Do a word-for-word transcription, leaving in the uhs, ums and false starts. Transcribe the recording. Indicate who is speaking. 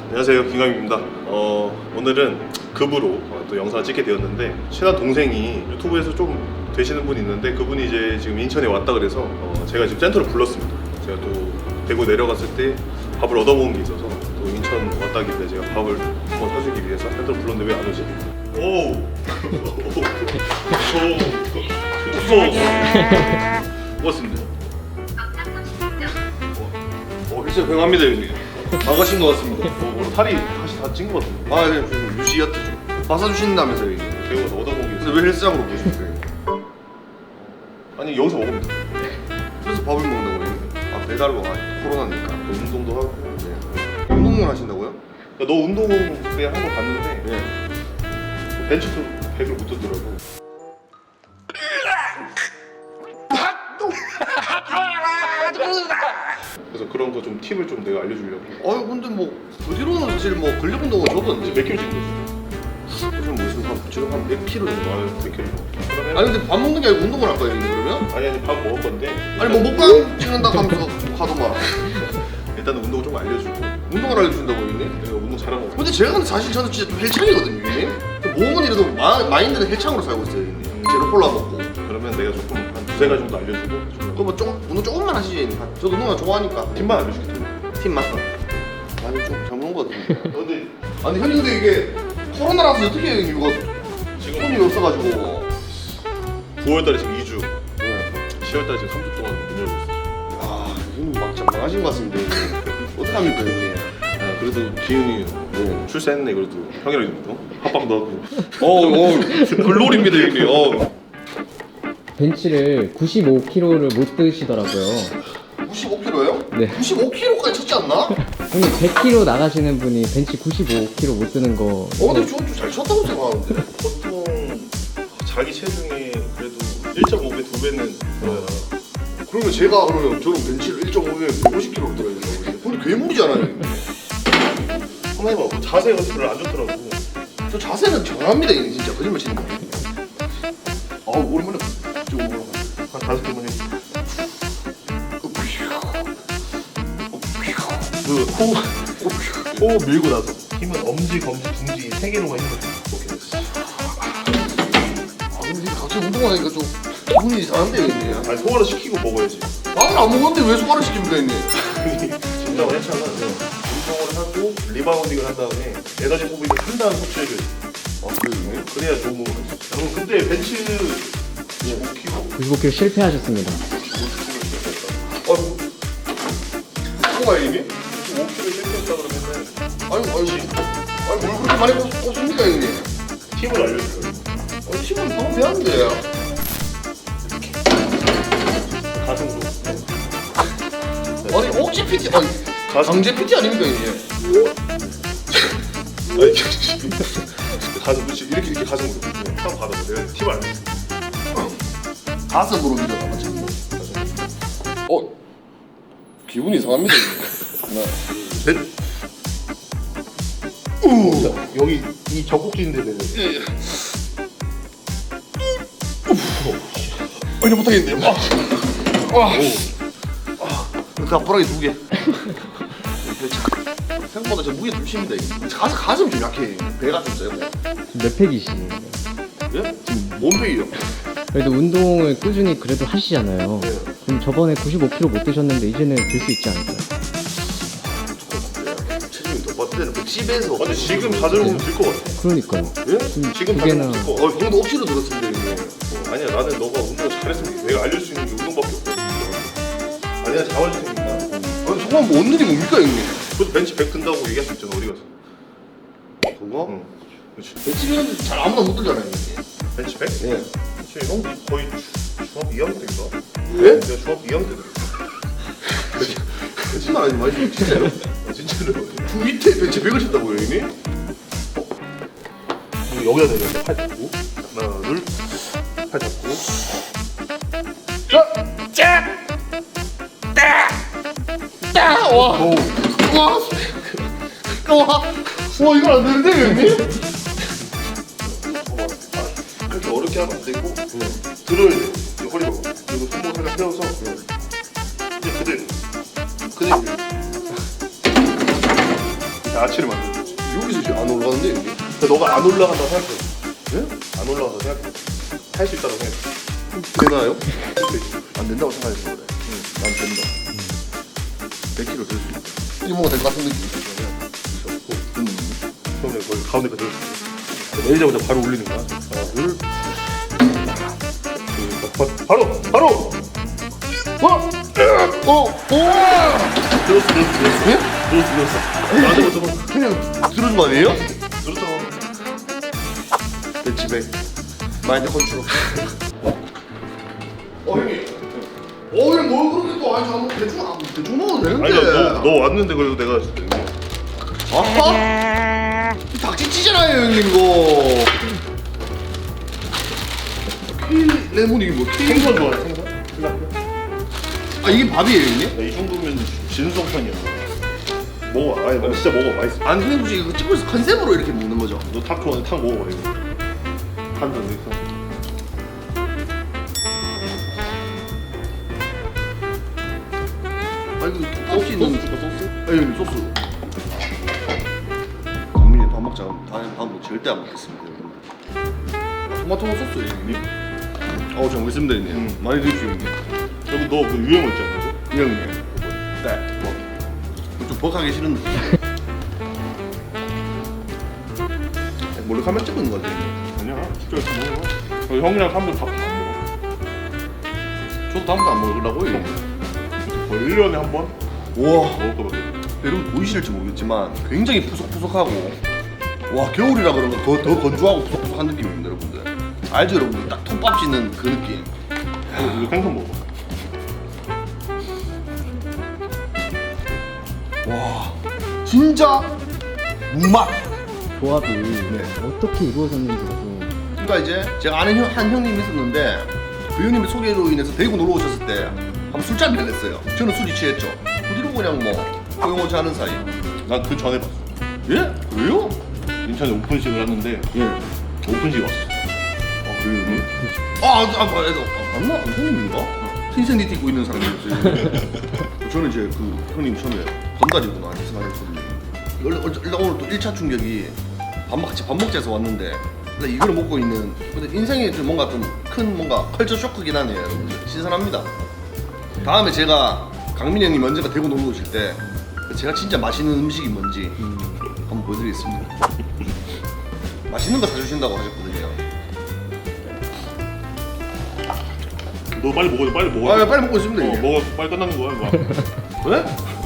Speaker 1: 안녕하세요, 김강입니다. 어, 오늘은 급으로 어, 또 영상을 찍게 되었는데 친한 동생이 유튜브에서 좀 되시는 분이 있는데 그분이 이제 지금 인천에 왔다 그래서 어, 제가 지금 센터로 불렀습니다. 제가 또 대구 내려갔을 때 밥을 얻어먹은 게 있어서 또 인천 왔다길래 제가 밥을 한번 사주기 위해서 센터로 불렀는데 왜 안 오지? 오! 무서워. 고맙습니다. 어, 글쎄 고용합니다 형님.
Speaker 2: 나가신 것 같습니다.
Speaker 1: 어, 오늘 탈이 다시 다 찐 것 같은데.
Speaker 2: 아, 네, 좀 유지였다 좀. 마사주신다면서요, 이게.
Speaker 1: 대구에서 얻어먹은 게
Speaker 2: 근데
Speaker 1: 있어요.
Speaker 2: 왜 헬스장으로 보시는
Speaker 1: 아니 여기서 먹으면 돼.
Speaker 2: 그래서 밥을 먹는다고 했는데. 아, 배달로 아, 코로나니까.
Speaker 1: 또 운동도 하고.
Speaker 2: 네. 운동을 하신다고요?
Speaker 1: 야, 너 운동 그냥 한 거 봤는데
Speaker 2: 네.
Speaker 1: 벤치도 백을 못 들더라고. 그래서 그런 거 좀 팁을 좀 내가 알려주려고.
Speaker 2: 아유, 근데 뭐, 그 뒤로는 사실 뭐, 근력 운동은 저도
Speaker 1: 이제 몇 킬로 찍은 거지?
Speaker 2: 요즘 무슨 한, 지금 한 백 킬로 정도.
Speaker 1: 아유 몇 킬로. 그러면
Speaker 2: 아니, 근데 밥 먹는 게 아니고 운동을 할 거예요, 이게 그러면?
Speaker 1: 아니 아니 밥 먹을 건데.
Speaker 2: 아니, 뭐, 먹방 찍는다 하면서 하더만.
Speaker 1: 일단은 운동 좀 알려주고.
Speaker 2: 운동을 알려준다고, 형님?
Speaker 1: 내가 운동 잘하는 거.
Speaker 2: 근데 제가 근데 사실 저는 진짜 좀 헬창이거든요, 형님? 몸은 이래도 마, 마인드는 헬창으로 살고 있어요, 형님. 제로 콜라 먹고.
Speaker 1: 그러면 내가 조금 한 두세 가지 정도 알려주고. 좀
Speaker 2: 그럼 뭐 조금 운동 조금만 하시지. 한- 저도 운동 좋아하니까.
Speaker 1: 팁만 알려줄게.
Speaker 2: 팀 맞다. 아니 좀 잘못한 것 같은데.
Speaker 1: 근데
Speaker 2: 아니 형님 근데 이게 코로나라서 어떻게 해요 이거
Speaker 1: 지금
Speaker 2: 손이 없어가지고.
Speaker 1: 구월달에 지금 이 주,
Speaker 2: 네.
Speaker 1: 시월달에 지금 삼 주 동안 문 열고 있어.
Speaker 2: 아 형님 막 장난하신 것 같은데. 어떡합니까 형님?
Speaker 1: 아, 그래도 기훈이
Speaker 2: 네.
Speaker 1: 출세했네. 그래도 형이랑 어? 합방도 하고.
Speaker 2: 어어 글로리입니다 형님. 어.
Speaker 3: 벤치를 구십오 킬로그램을 못 드시더라고요.
Speaker 2: 구십오 킬로예요?
Speaker 3: 네.
Speaker 2: 구십오 킬로까지 쳤지 않나?
Speaker 3: 형님 백 킬로그램 나가시는 분이 벤치 구십오 킬로그램 못 드는 거.
Speaker 2: 어 근데 저좀 잘 쳤다고 생각하는데.
Speaker 1: 보통 자기 체중의 그래도 일 점 오 배, 두 배는 어.
Speaker 2: 그러면 제가 그러면 저는 벤치를 일 점 오 배면 백오십 킬로를 들어야 된다고. 근데 괴물이잖아요.
Speaker 1: 한번 해봐. 그 자세가 별로 안 좋더라고.
Speaker 2: 저 자세는 정합니다 형님 진짜 거짓말 치는 거. 아 오랜만에 좀 올라가.
Speaker 1: 한 다섯 개만 해. 그 호, 호 밀고 나서 힘은 엄지, 검지, 중지 세 개로만 힘을 줘. 오케이 됐어.
Speaker 2: 아 근데 갑자기 운동하니까 좀 기분이 이상한데 형님.
Speaker 1: 아니 소화를 시키고 먹어야지.
Speaker 2: 나는 안 먹었는데 왜 소화를 시킵니까 형님?
Speaker 1: 진정을 했잖아. 운동을 하고 리바운딩을 한 다음에 에너지 소비를 한 다음 섭취해줘야지.
Speaker 2: 아 그래요?
Speaker 1: 그래야 좋은 몸을 할수 있어. 그럼 그때 벤치 오 킬로
Speaker 3: 구십오 킬로그램 실패하셨습니다.
Speaker 2: 아이고 뭐가 형님?
Speaker 1: 오 킬로 실패했다 그러면은
Speaker 2: 아이고 아이고 아이고 뭘 그렇게 많이 꼽- 꼽습니까 형님?
Speaker 1: 팁을 알려줘요.
Speaker 2: 아 팀은 너무 배웠는데.
Speaker 1: 가슴도.
Speaker 2: 아니 억지 피티 아니
Speaker 1: 가슴.
Speaker 2: 강제 피티 아닙니까 형님?
Speaker 1: 아니 가슴 그렇지 이렇게 이렇게 가슴으로 한번 받아봐. 내가 팁을 알려줄게.
Speaker 2: 가슴으로 밀어가 맞지? 어 기분이 이상합니다 형님.
Speaker 1: 넷. 우 여기 이 젖꼭지인데 내가.
Speaker 2: 예, 예. 아니 못하겠네. 아, 아, 아, 그 앞바라기 두 개. 생각보다 저 무게 좀 심니다. 이거. 가슴 가슴 좀 약해. 배가 좀 세고.
Speaker 3: 몇 팩이시네요.
Speaker 2: 예? 지금 몸빼기요.
Speaker 3: 그래도 운동을 꾸준히 그래도 하시잖아요.
Speaker 2: 네.
Speaker 3: 그럼 저번에 구십오 킬로그램 못 드셨는데 이제는 들 수 있지 않을까요?
Speaker 2: 체중이 더 빠질 때는 백십에서.
Speaker 1: 근데 지금 다들 오면 될것 같아.
Speaker 3: 그러니까요.
Speaker 2: 예?
Speaker 3: 지금
Speaker 1: 지금
Speaker 3: 두
Speaker 1: 다들
Speaker 3: 개나.
Speaker 1: 오면 될것
Speaker 2: 어,
Speaker 1: 같아.
Speaker 2: 형도 억지로 들었습니다 형님.
Speaker 1: 어, 아니야 나는 너가 운동을 잘했으면 내가 알려줄 수 있는 게 운동밖에 없거든. 아니 내가 잡아줄 테니까.
Speaker 2: 아니 저건 뭐 오늘이 뭡니까 형님?
Speaker 1: 그래도 벤치 백 든다고 얘기할 수 있잖아. 어디 가서.
Speaker 2: 그거?
Speaker 1: 응. 그렇지.
Speaker 2: 백십이면 잘 아무나 못 들잖아요 형님.
Speaker 1: 벤치 백?
Speaker 2: 예.
Speaker 1: 그렇지. 형 거의 주- 중학교 이 학년 때인가?
Speaker 2: 예?
Speaker 1: 내가 중학교 이 학년 때 들었어.
Speaker 2: 거짓말 하지 마시고 진짜요?
Speaker 1: 아, 진짜로.
Speaker 2: 그 밑에 벤치 백을 쳤다고요 형님?
Speaker 1: 그리고 여기다 내려. 팔 잡고. 하나 둘. 팔 잡고.
Speaker 2: 와! 와! 와! 와 이거 안 되는데 형님?
Speaker 1: 아, 그렇게 어렵게 하면 안 되고 들어야 돼. 이거 허리 봐봐. 그리고 손목 살짝 펴서 이제 그대로 그대로 밀. 아치를 만드는 거지.
Speaker 2: 여기서 지금 안 올라가는데 여기?
Speaker 1: 근데 너가 안 올라간다고 생각해. 예? 안 올라간다고 생각해. 할 수 있다고 생각해.
Speaker 2: 되나요? 안 된다고 생각해서 그래. 응, 난 된다. 백 킬로그램 될 수 있다. 이거 뭔가 될 것 같은 느낌이 있어. 듣는 느낌?
Speaker 1: 그러면 거기 가운데 그대로 내리자마자 바로 올리는 거야. 하나, 둘. 그, 바로! 바로!
Speaker 2: 어? 어? 오!
Speaker 1: 들었어, 들었어, 들었어.
Speaker 2: 예?
Speaker 1: 들었어, 들었어. 맞아, 맞아, 맞아.
Speaker 2: 그냥 들은 거 아니에요?
Speaker 1: 들었어.
Speaker 2: 배치백 마인드 컨트롤. 어 형님. 어 형님 뭘 그렇게 또 아니 저는 대충 안 대충 먹어도 되는데.
Speaker 1: 아니, 너, 너 왔는데 그래도 내가
Speaker 2: 아하? 닭치치잖아요 형님 이거. 케일 레몬 이게 뭐 케일?
Speaker 1: 생선 좋아해, 생선?
Speaker 2: 아 이게 밥이에요 형님?
Speaker 1: 이 정도면 진수성찬이야. 먹어, 아니, 너 진짜 먹어, 맛있어.
Speaker 2: 아니 형님 혹시 이거 찍고 있어 컨셉으로 이렇게 먹는 거죠?
Speaker 1: 너 탁 좋아하는 탁 먹어봐, 이거. 한잔 넣어.
Speaker 2: 아 이거
Speaker 1: 소스
Speaker 2: 톡톡 있는
Speaker 1: 줄까, 소스?
Speaker 2: 아 형님 소스. 강민이 밥 먹자. 다음에 밥은 절대 안 먹겠습니다 형님. 토마토 소스 형님. 어잘 먹겠습니다 형님.
Speaker 1: 음.
Speaker 2: 많이 드십시오 형님.
Speaker 1: 여기 너 그 유행어 있잖아, 이거.
Speaker 2: 형님. 네. 뭐. 좀 버하기 싫은데. 몰래 카메라 찍고 있는 거 같아 형님.
Speaker 1: 아니야, 진짜 이렇게 먹어. 어, 형이랑 사람들 밥안 먹어.
Speaker 2: 저도 다음부터 안 먹으려고요 형님.
Speaker 1: 거의 일 년에 한 번?
Speaker 2: 우와.
Speaker 1: 먹을 거거든.
Speaker 2: 여러분 보이실지 모르겠지만 굉장히 푸석푸석하고 와 겨울이라 그런가 더, 더 건조하고 푸석푸석한 느낌입니다 여러분들. 알죠 여러분들? 딱 톱밥 씻는 그 느낌.
Speaker 1: 어, 이거 생선 먹어.
Speaker 2: 와 진짜 무맛.
Speaker 3: 조합이
Speaker 2: 네.
Speaker 3: 어떻게 이루어졌는지 좀
Speaker 2: 그러니까 이제 제가 아는 형, 한 형님이 있었는데 그 형님의 소개로 인해서 대구 놀러 오셨을 때 한번 술자리를 냈어요. 저는 술이 취했죠. 그 뒤로 그냥 뭐 소용없이 하는 사이.
Speaker 1: 난 그 전에 봤어.
Speaker 2: 예? 왜요?
Speaker 1: 인천에 오픈식을 하는데
Speaker 2: 예.
Speaker 1: 오픈식 왔어.
Speaker 2: 아 그래요? 아, 아, 아, 아, 아 맞나? 형님인가? 흰색 니트 입고 있는 사람이었어요. 저는 이제 그 형님 처음에 건달이구나 이렇게 생각했거든요. 원래 일단 오늘 또 일 차 충격이 밥 먹, 같이 밥 먹자 해서 왔는데 근데 이걸 먹고 있는 근데 인생에 좀 뭔가 좀 큰 뭔가 컬처 쇼크긴 하네요 여러분들. 신선합니다. 다음에 제가 강민이 형님 언젠가 대구 놀러 오실 때 제가 진짜 맛있는 음식이 뭔지 한번 보여드리겠습니다. 맛있는 거 사주신다고 하셨거든요.
Speaker 1: 너 빨리 먹어, 빨리 먹어.
Speaker 2: 아 빨리 먹고 있습니다
Speaker 1: 어,
Speaker 2: 이게.
Speaker 1: 먹어, 빨리 끝나는 거야, 이거.
Speaker 2: 왜?